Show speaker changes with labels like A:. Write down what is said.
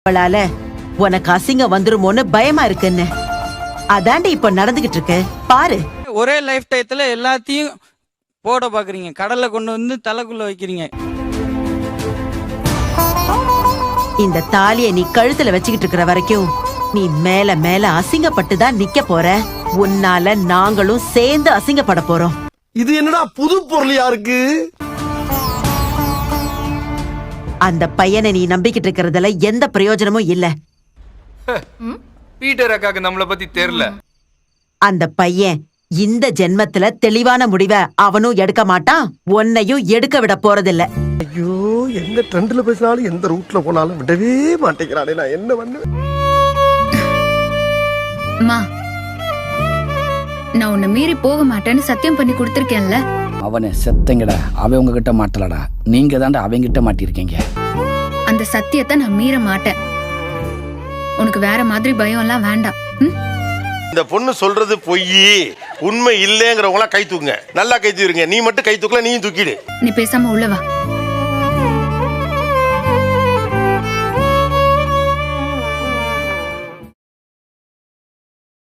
A: அவளால உனக்கு அசிங்கம் வந்துருமோன்னு பயமா இருக்குன்னு அதாண்டி இப்ப நடந்துகிட்டு இருக்கு பாரு.
B: ஒரே லைஃப் டயத்துல எல்லாத்தையும் போட பாக்குறீங்க, கடல்ல கொண்டு வந்து தலைக்குள்ள வைக்கிறீங்க.
A: இந்த தாலிய நீ கழுத்துல வச்சுக்கிட்டு இருக்கிற வரைக்கும் நீ மேல மேல அசிங்கப்பட்டு தான் நிக்க போற. உன்னால நாங்களும் சேர்ந்து அசிங்கப்பட போறோம்.
C: இது என்னடா புது பொருளியா இருக்கு?
A: அந்த பையனை நீ நம்பிக்கிட்டு இருக்கிறதுல எந்த பிரயோஜனமும் இல்ல.
D: பீட்டர் அக்காக்கு நம்மள பத்தி தெரியல.
A: அந்த பையன் இந்த ஜென்மத்துல தெளிவான முடிவை அவனும் எடுக்க மாட்டான், உன்னையும் எடுக்க விட போறதில்ல.
C: ஐயோ, எந்த ட்ரெண்ட்ல பேசினாலும் எந்த ரூட்ல போனாலும் விடவே மாட்டேங்கிறானே, நான் என்ன பண்ணுவேன்?
E: அம்மா, நான் உன்னை மீறி போக மாட்டேன்னு சத்தியம் பண்ணி கொடுத்திருக்கேன்ல.
F: அவனை செத்தங்கடா, அவன் உங்ககிட்ட மாட்டலடா, நீங்க தாண்டா அவங்கிட்ட மாட்டிருக்கீங்க.
E: அந்த சத்தியத்தை நான் மீற மாட்டேன். உனக்கு வேற மாதிரி பயம் எல்லாம் வேண்டாம்.
G: இந்த பொண்ணு சொல்றது பொய், உண்மை இல்லைங்கிறவங்களா கை தூக்குங்க. நல்லா கை தூக்குங்க. நீ மட்டும் கை தூக்கல, நீயும் தூக்கிடு.
E: நீ பேசாம உள்ள வா.